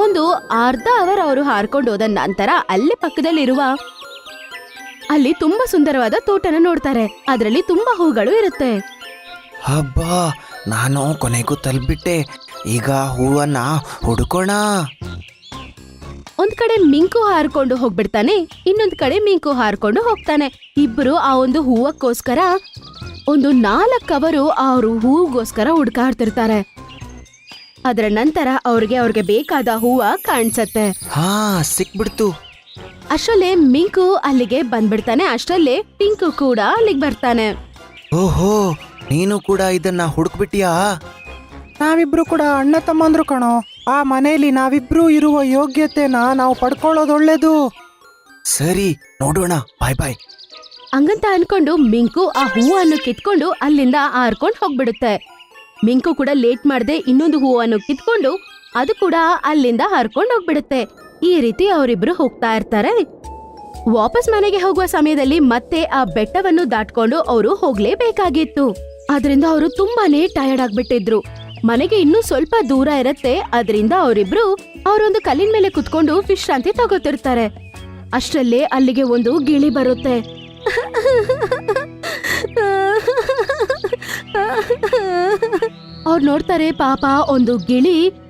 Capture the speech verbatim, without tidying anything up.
ಒಂದು ಅರ್ಧ ಅವರ್ ಅವರು ಹಾರ್ಕೊಂಡು ಹೋದ ನಂತರ ಅಲ್ಲಿ ಪಕ್ಕದಲ್ಲಿರುವ ಅಲ್ಲಿ ತುಂಬಾ ಸುಂದರವಾದ ತೋಟನ ನೋಡ್ತಾರೆ. ಅದರಲ್ಲಿ ತುಂಬಾ ಹೂಗಳು ಇರುತ್ತೆ. ಹಬ್ಬಾ, ನಾನು ಕೊನೆಗೂ ತಲುಪಿಬಿಟ್ಟೆ. ಈಗ ಹೂವನ್ನ ಹುಡುಕೋಣ. ಒಂದ್ ಕಡೆ ಮಿಂಕು ಹಾರ್ಕೊಂಡು ಹೋಗ್ಬಿಡ್ತಾನೆ, ಇನ್ನೊಂದ್ ಕಡೆ ಮಿಂಕು ಹಾರ್ಕೊಂಡು ಹೋಗ್ತಾನೆ. ಇಬ್ರು ಆ ಒಂದು ಹೂವಕ್ಕೋಸ್ಕರ ಒಂದು ನಾಲ್ಕು ಅವರು ಅವರು ಹೂಗೋಸ್ಕರ ಹುಡ್ಕಾಡ್ತಿರ್ತಾರೆ. ಅದರ ನಂತರ ಅವ್ರಿಗೆ ಅವ್ರಿಗೆ ಬೇಕಾದ ಹೂವ ಕಾಣಿಸತ್ತೆ. ಹಾ, ಸಿಕ್ಬಿಡ್ತು. ಅಷ್ಟರಲ್ಲೇ ಮಿಂಕು ಅಲ್ಲಿಗೆ ಬಂದ್ಬಿಡ್ತಾನೆ. ಅಷ್ಟರಲ್ಲೇ ಪಿಂಕು ಕೂಡ ಅಲ್ಲಿಗೆ ಬರ್ತಾನೆ. ಓಹೋ, ನೀನು ಕೂಡ ಇದನ್ನ ಹುಡುಕ್ಬಿಟ್ಟಿಯಾ? ನಾವಿಬ್ರು ಕೂಡ ಅಣ್ಣ ತಮ್ಮಂದ್ರು ಕಣೋ. ಆ ಮನೆಯಲ್ಲಿ ನಾವಿಬ್ರು ಇರುವ ಯೋಗ್ಯತೆನ ನಾವು ಪಡ್ಕೊಳ್ಳೋದು ಒಳ್ಳೇದು. ಸರಿ, ನೋಡೋಣ. ಬಾಯ್ ಬಾಯ್. ಹಂಗಂತ ಅನ್ಕೊಂಡು ಮಿಂಕು ಆ ಹೂವನ್ನು ಕಿತ್ಕೊಂಡು ಅಲ್ಲಿಂದ ಹಾರ್ಕೊಂಡು ಹೋಗ್ಬಿಡುತ್ತೆ. ಮಿಂಕು ಕೂಡ ಲೇಟ್ ಮಾಡದೆ ಇನ್ನೊಂದು ಹೂವನ್ನು ಕಿತ್ಕೊಂಡು ಅದು ಕೂಡ ಅಲ್ಲಿಂದ ಹಾರ್ಕೊಂಡು ಹೋಗ್ಬಿಡುತ್ತೆ. ಈ ರೀತಿ ಅವರಿಬ್ರು ಹೋಗ್ತಾ ಇರ್ತಾರೆ. ವಾಪಸ್ ಮನೆಗೆ ಹೋಗುವ ಸಮಯದಲ್ಲಿ ಮತ್ತೆ ಆ ಬೆಟ್ಟವನ್ನು ದಾಟ್ಕೊಂಡು ಅವರು ಹೋಗ್ಲೇಬೇಕಾಗಿತ್ತು. ಅದರಿಂದ ಅವರು ತುಂಬಾನೇ ಟಯರ್ಡ್ ಆಗ್ಬಿಟ್ಟಿದ್ರು. ಮನೆಗೆ ಇನ್ನೂ ಸ್ವಲ್ಪ ದೂರ ಇರತ್ತೆ. ಅದರಿಂದ ಅವರಿಬ್ರು ಅವರೊಂದು ಕಲ್ಲಿನ ಮೇಲೆ ಕುತ್ಕೊಂಡು ವಿಶ್ರಾಂತಿ ತಗೋತಿರ್ತಾರೆ. ಅಷ್ಟರಲ್ಲೇ ಅಲ್ಲಿಗೆ ಒಂದು ಗಿಳಿ ಬರುತ್ತೆ. ಅವ್ರು ನೋಡ್ತಾರೆ, ಪಾಪ ಒಂದು ಗಿಳಿ